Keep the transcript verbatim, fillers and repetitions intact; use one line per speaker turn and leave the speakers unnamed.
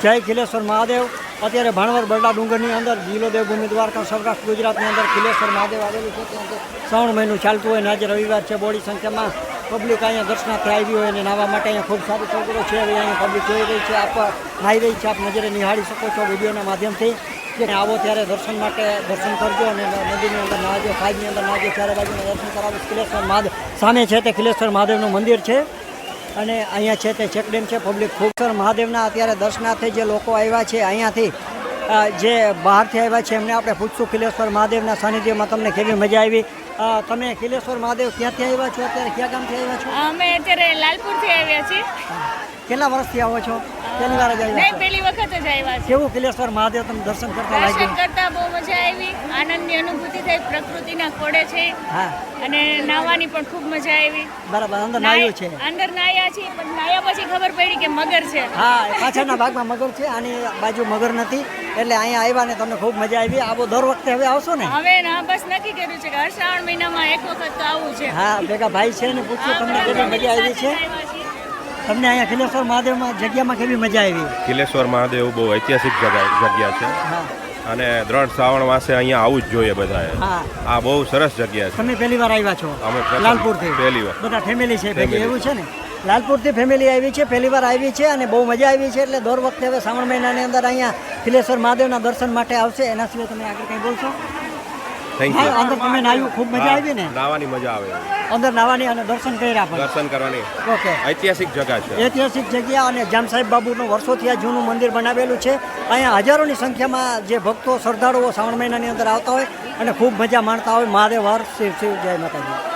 જય ખિલેશ્વર મહાદેવ। અત્યારે ભાણવર બરડા ડુંગરની અંદર જિલ્લો દેવભૂમિ દ્વારકા સૌરાષ્ટ્ર ગુજરાતની અંદર ખિલેશ્વર મહાદેવ આવેલું છે। ત્યાં શ્રાવણ મહિનું ચાલતું હોય ને આજે રવિવાર છે। બોડી સંખ્યામાં પબ્લિક અહીંયા દર્શનાર્થે આવી હોય અને નાહવા માટે અહીંયા ખૂબ સારી સગવડો છે। હવે અહીંયા પબ્લિક જોઈ રહી છે, આપ નાહી રહી છે, આપ નજરે નિહાળી શકો છો વિડીયોના માધ્યમથી કે આવો ત્યારે દર્શન માટે દર્શન કરજો અને નદીની અંદર નાહજો, ખાઈની અંદર નાહજો, ચારે બાજુના દર્શન કરાવો। ખિલેશ્વર મહાદેવ સામે છે તે ખિલેશ્વર મહાદેવનું મંદિર છે અને અહીંયા છે તે ચેકડેમ છે। પબ્લિક ખૂબ મહાદેવના અત્યારે દર્શનાર્થે જે લોકો આવ્યા છે અહીંયાથી જે બહારથી આવ્યા છે એમને આપણે પૂછશું ખિલેશ્વર મહાદેવના સાનિધ્યમાં તમને કેવી મજા આવી। તમે ખિલેશ્વર મહાદેવ ક્યાંથી આવ્યા છો, અત્યારે ક્યાં ગામથી આવ્યા છો?
અમે અત્યારે લાલપુરથી આવ્યા છીએ।
કેટલા વર્ષથી આવો છો? પહેલી વાર જ આવ્યા?
નહીં, પહેલી વખત જ આવ્યા છે।
કેવું ખિલેશ્વર મહાદેવ તમે દર્શન કરતા લાગ્યું?
દર્શન કરતા બહુ મજા આવી, આનંદની અનુભૂતિ થઈ, પ્રકૃતિના ખોળે છે
હા
અને નાહવાની પણ ખૂબ મજા આવી।
બરાબર, અંદર નાહ્યું છે?
અંદર નાહ્યા છીએ, પણ નાહ્યા પછી ખબર પડી કે મગર છે।
હા, પાછળના ભાગમાં મગર છે, આની બાજુ મગર નથી, એટલે અહીંયા આવ્યા ને તમને ખૂબ મજા આવી। આવો દર વખતે હવે આવશો ને?
હવે ના, બસ નક્કી કર્યું છે કે હર શ્રાવણ મહિનામાં એક વખત તો આવું છે।
હા, ભેગા ભાઈ છે ને પૂછ્યું તમને કેવી મજા આવી છે? તમને અહીંયા ખિલેશ્વર મહાદેવમાં જગ્યામાં કેવી મજા આવી?
ખિલેશ્વર મહાદેવ બહુ ઐતિહાસિક જગ્યા છે અને દ્રઢ શ્રાવણ માસે અહીંયા આવવું જ જોઈએ બધાએ। આ બહુ સરસ જગ્યા છે।
તમે પહેલી વાર આવ્યા છો?
અમે
લાલપુરથી
પહેલી વાર,
બધા ફેમિલી છે ભેગી, એવું છે ને? લાલપુરથી ફેમિલી આવી છે, પહેલી વાર આવી છે અને બહુ મજા આવી છે। એટલે દર વખતે હવે શ્રાવણ મહિનાની અંદર અહીંયા ખિલેશ્વર મહાદેવના દર્શન માટે આવશે। એના સિવાય તમે આગળ કંઈ બોલશો?
Thank you.
અંદર તમે નાહ્યું, ખૂબ મજા આવી ને?
નાવાની મજા આવે,
અંદર નાવાની અને દર્શન કર્યા પણ?
દર્શન કરવાની
ઓકે,
ઐતિહાસિક જગ્યા છે,
ઐતિહાસિક જગ્યા અને જામ સાહેબ બાબુનું વર્ષોથી આ જૂનું મંદિર બનાવેલું છે। અહીંયા હજારોની સંખ્યામાં જે ભક્તો શ્રદ્ધાળુઓ શ્રાવણ મહિનાની અંદર આવતા હોય અને ખૂબ મજા માણતા હોય। મહાદેવ હર શિવ શિવ, જય માતાજી।